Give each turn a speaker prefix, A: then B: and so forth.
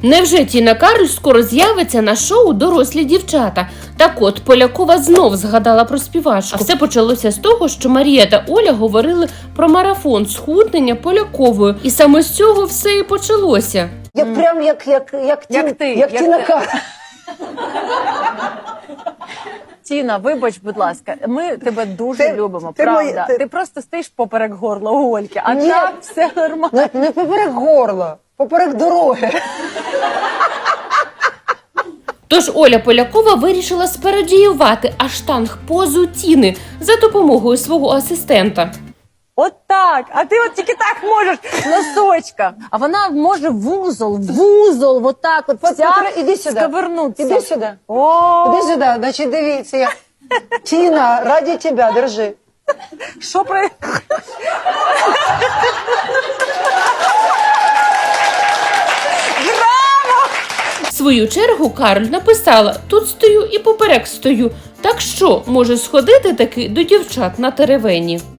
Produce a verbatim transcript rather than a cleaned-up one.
A: Невже Тіна Кароль скоро з'явиться на шоу «Дорослі дівчата»? Так от, Полякова знов згадала про співачку. А все почалося з того, що Марія та Оля говорили про марафон схуднення Поляковою. І саме з цього все і почалося.
B: Я mm. прям як, як, як,
C: як
B: ті,
C: ти,
B: як,
C: як
B: Тіна
C: ти.
B: Кароль.
C: Тіна, вибач, будь ласка, ми тебе дуже
B: Ти-
C: любимо,
B: ти
C: правда.
B: моя- ти-
C: Ти просто стоїш поперек горла у Ольки, а
B: Ні.
C: так все нормально.
B: Не, не поперек горла, поперек дороги.
A: Тож Оля Полякова вирішила спародіювати аштанг-позу Тіни за допомогою свого асистента.
C: От так, а ти от тільки так можеш, носочка. А вона може вузол, вузол, от так от,
B: От,
C: вся
B: Петро, іди сюди.
C: сковернутися.
B: Іди сюди.
C: О,
B: Іди сюди, значить дивіться. Я... Тіна, раді тебе, держи.
C: що про...
A: В свою чергу Кароль написала: «Тут стою і поперек стою». Так що, може сходити таки до дівчат на теревені?